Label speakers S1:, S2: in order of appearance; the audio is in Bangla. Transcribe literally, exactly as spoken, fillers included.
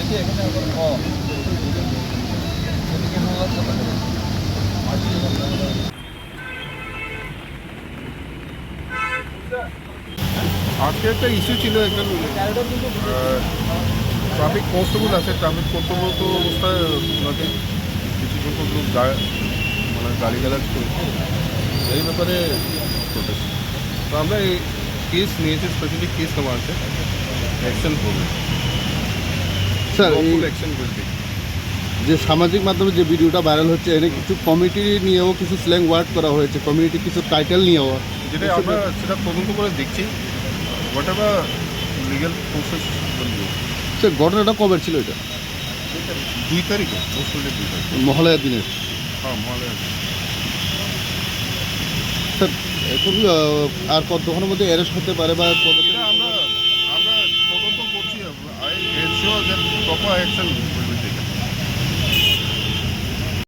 S1: আজকে একটা ইস্যু ছিল, একজন ট্রাফিক কনস্টেবল আছে, ট্রাফিক কর্তব্যরত অবস্থায় ওনাকে কিছু সংখ্যক লোক মানে গাড়ি গালাজ করেছে, এই ব্যাপারে প্রোটেস্ট। তো আমরা এই কেস নিয়েছি, স্পেশালি কেস নেওয়া আছে, অ্যাকশন হবে
S2: স্যার।
S1: অ্যাকশন করবে।
S2: যে সামাজিক মাধ্যমে যে ভিডিওটা ভাইরাল হচ্ছে, এনে কিছু কমিটি নিয়েও কিছু স্ল্যাং ওয়ার্ড করা হয়েছে, কমিউনিটি কিছু টাইটেল নিয়েও,
S1: যেটা আমরা সেটা তদন্ত করে দেখছি, হোয়াট এভার লিগ্যাল প্রসেস বলবো।
S2: স্যার ঘটনাটা কবে ছিল এটা?
S1: দুই তারিখে পরশুলের দুই তারিখ
S2: মহালয়ার দিনের।
S1: হ্যাঁ মহালয়া।
S2: স্যার এখন আর কতক্ষণের মধ্যে অ্যারেস্ট হতে পারে বা
S1: আমরা আমরা তদন্ত করছি, I ensure that proper action